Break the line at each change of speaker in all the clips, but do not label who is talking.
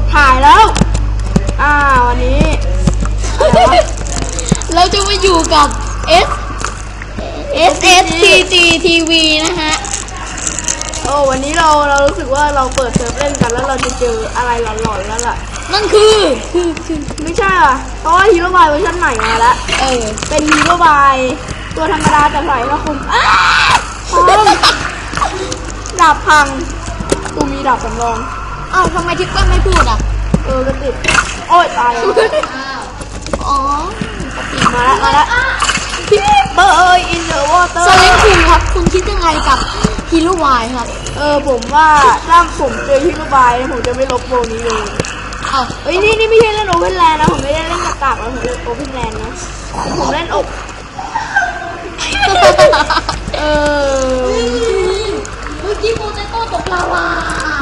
ถ่ายแล้ววันนี้
เราจะมาอยู่กับ SSTG TV นะฮะ
วันนี้เรารู้สึกว่าเราเปิดเซิร์ฟเล่นกันแล้วเราจะเจออะไรหลอนๆแล้วล่ะ
นั่นคือ
ไม่ใช่อ่ะเพราะว่าฮีโร่บายเวอร์ชันใหม่มาแล้วเป็นฮีโร่บายตัวธรรมดาแต่ใส่ผ้าคลุมดาบพังกูมีดาบสำรอง
ทำไมทิปเปิ้ลไม่พูดอ่ะ
ก็ติดโอ้ยตายมาแล้วพี่เบอร์อินเดอะวอเตอร์
สเล็กคุณครับคุณคิดยังไงกับฮีโร่บายครับ
ผมว่าถ้าผมเจอฮีโร่บายผมจะไม่ลบโบนี้เลยนี่ไม่ใช่เล่นโอเพนแลนด์นะผมไม่ได้เล่นกากๆแล้วผมเล่นโอเพนแลนด์นะผมเล่นอก
เมื่อกี้โปเตโต้ตกลาวา
โด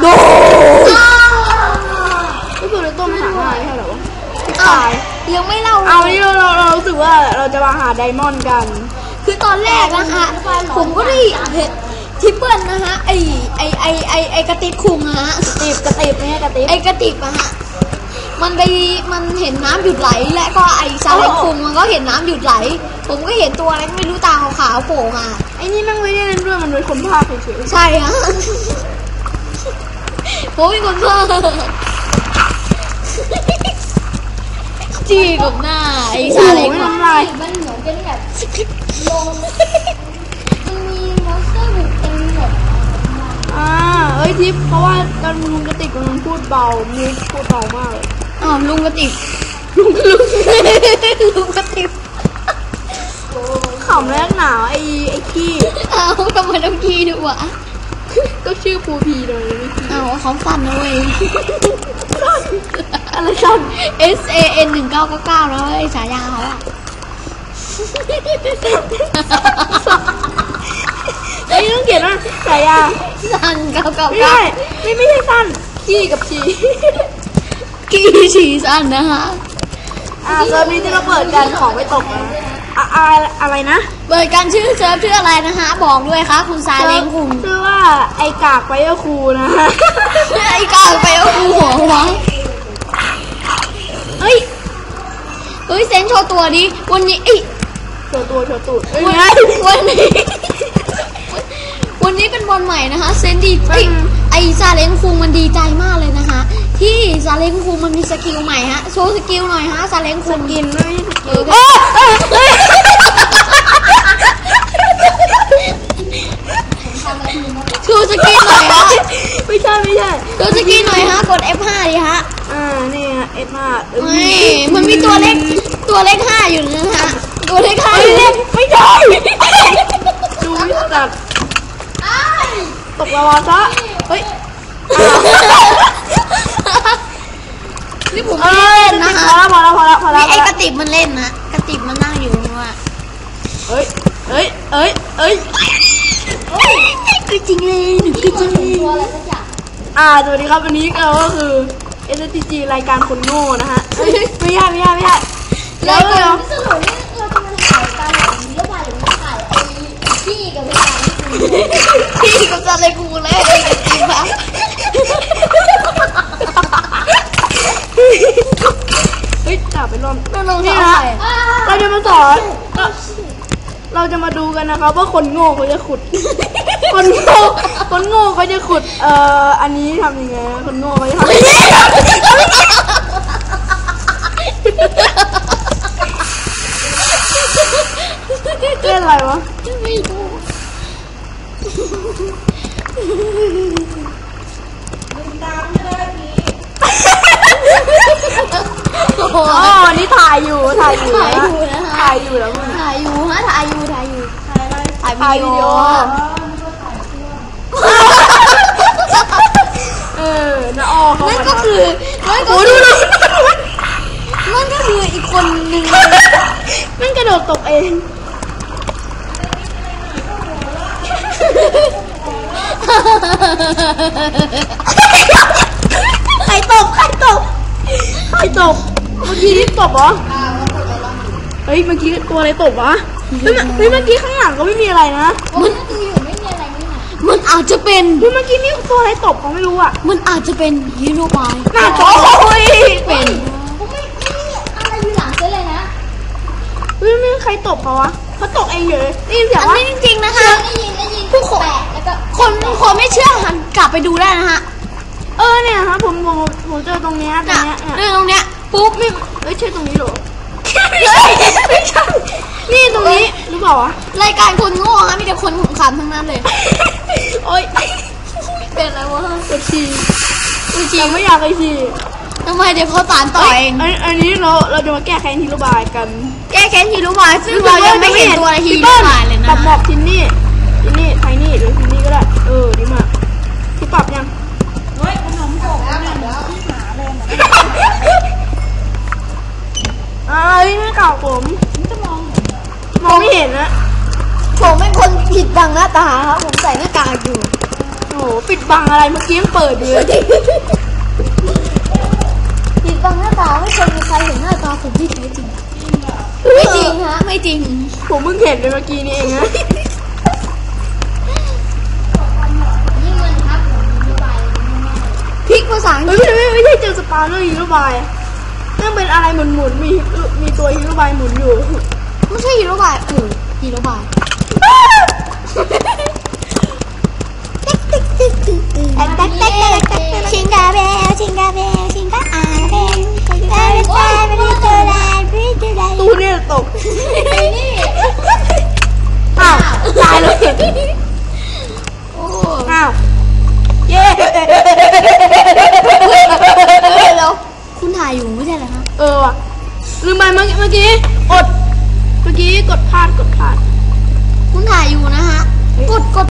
ก็คือในต้นมหาลัยใช่หรอวะตาย
ยังไม่เล่า
นี่เรารู้สึกว่าเราจะมาหาไดมอนด์กัน
คือตอนแรกนะคะผมก็ได้เห็นทิปเปิลนะฮะไอกระติกคุงฮะ
กระติบเนี่ยกระติบ
ไอกระติกอะฮะมันเห็นน้ำหยุดไหลและก็ไอซาเล็กคุงมันก็เห็นน้ำหยุดไหลผมก็เห็นตัวอะไรไม่รู้ตาขาวๆโผล่มา
ไอ้นี่มันไม่ได้เล่นด้วยมันเป็นคนภาคเฉย
ๆใช่ฮะผมเป็นคนภาคจีกับหน้าไอซาเล็ก
น้ำลาย
มันเหมือนเป็นแบบลงมันมีมอนสเตอร์บุกเต็มหมด
ทิปเพราะว่าตอนลุงกระติกมันพูดเบามิวพูดเบามากเลย
ลุงกระติกลุงกระติก
ขำแรกหนาวไอ้ขี้
ทำไมต้องขี้ด้วยวะ
ก็ชื่อปูพีเลย
เขาสั่นนะเว้ย
อะไรสั่น
SAN 1999แล้วไอ้ฉายาเขา
ต้องเขียนว่าฉายา
สั่น999
ไม่ใช่สั่นขี้กับฉี
ฉี่สั่นนะคะ
เซิร์ฟนี้ที่เราเปิดกันของไม่ตกนะอะไรนะ
เปิดกันชื่อเซิร์ฟชื่ออะไรนะคะบอกด้วยครับคุณซาเล้งคุณ
ชื่อว่าไอกากไปก็ครูนะ
ไอกากไปก็ครูหัวเฮ้ยเซนโชว์ตัวดิวันนี้
โชว์ตูด
วันนี้เป็นวันใหม่นะคะเซนดีไอซาเล้งคุงมันดีใจมากเลยนะคะที่ซาเล้งคุงมันมีสกิลใหม่ฮะโชว์สกิลหน่อยฮะซาเล้งคุง
กินไม่
โชว์สกิลหน่อยฮะ
ไม่ใช่
โชว์สกิลหน่อยฮะกด F5 ดิฮะ
นี่ฮะ F5
มันมีตัวเล็ก5อยู่นะฮะตัวเล็ก5
ไม่ใช่ดูจัดตกลาวาซะ
นี่ผมเล่นนะคะ
พอแล้ว
ไอ้กระติบมันเล่นนะกระติบมันนั่งอยู่นี่ว่าคือจริงเลยหนูคือจริง
สวัสดีครับวันนี้เราก็คือ STG รายการคนโง่นะฮะไม่ใช่
แล้ว
สรุปนี่เราจะมาถ่ายการหลังหรือว่าหรือมาถ่ายพี่กับ
ซาเล้งคุงแล้วไอ้กระติบอะ
จับไปลอง
นี่
นะเราจะมาสอนเราจะมาดูกันนะครับว่าคนโง่เขาจะขุดคนโง่เขาจะขุดอันนี้ทำยังไงคนโง่เขาจะทำเล่นอะไรวะ
ไม่รู้
วันนี้ถ่ายอยู่แล้วมึง
ถ่ายอยู่วิดีโอ
น้าอ้อ
นั่นก็คืออีกคนนึง
มันกระโดดตกเองใครตกเมื่อกี้ตกเหรอเมื่อกี้ตัวอะไรตกวะเมื่อกี้ข้างหลังก็ไม่มีอะไรนะ
มันอาจจะเป็น
เมื่อกี้นี่ตัวอะไรตบเขาไม่รู้อ่ะ
มันอาจจะเป็นฮีโร่บาย
น่าโอ้ย
เป็น
ผมไม่อะไรอยู่หลังเจ๊เลยนะ
ไม่ใครตบเขาวะเขาตบเองเลยได้ยินเสียง
อัน
ว่า
นี้จริงๆนะคะ
ได้ยิน
ผู้คน
แปะแล้วก็
คนไม่เชื่อหันกลับไปดูได้นะฮะ
เนี่ยครับผมเจอตรงเนี้ยตรง
เนี่ย
เนี้ย
ตรงเนี้ยปุ๊บ
ไม่ใช่ตรงนี้หรอไม่ใช่นี่ตรงนี้หรือเปล่าวะ
รายการคนโง่ฮะมีแต่คนขำๆทั้งนั้นเลย
โอ๊ย
เป็นอะไรวะ
ปวดฉี่ยังไม่อยากไปฉี่
ทำไมเดี๋ยวเขาตานต่อเอง
อันนี้เราจะมาแก้แค้นฮีโร่บายกัน
แก้แค้นฮีโร่บายซึ่งเรายังไม่เห็นตัวฮีโร่บายเลยนะ
ปรับหมอกทินนี่ไทนี่หรือทินนี่ก็ได้ดีมากที่ปรับยังไม่เก่าผมมองไม่เห็นนะ
ผมเป็นคนผิดบังหน้าตาครับผมใส่หน้ากากอยู่
โอ้โหปิดบังอะไรเมื่อกี้ยังเปิดอยู่เลย
ผิดบังหน้าตาไม่เคยมีใครเห็นหน้าตาผมที่แท้จริงไม่จริงฮะไม่จริง
ผมเพิ่งเห็นไปเมื่อกี้นี่เองนะ
ยิ่งเงินครับผมมีใบ
พลิกภาษาอังกฤษ
ไม่ใช่เจอสปาร์เนอร์ฮีโร่บายนั่นเป็นอะไรหมุนมีตัวฮีโร่บายหมุนอยู่
ไม่ใช่ฮีโร่บายฮีโร่บายชิงกาเบลชิงกาเบลชิงกาอาเบล
ตู้เนี่ยตก
ไอ้นี่
อ้าวตายเลย
โอ้
อ้าวเย้
แล้วคุณถ่ายอยู่ไม่ใช่เหรอคะ
ว่ะลืมไปเมื่อกี้เมื่อกี้กดพลาด
คุณถ่ายอยู่นะฮะกด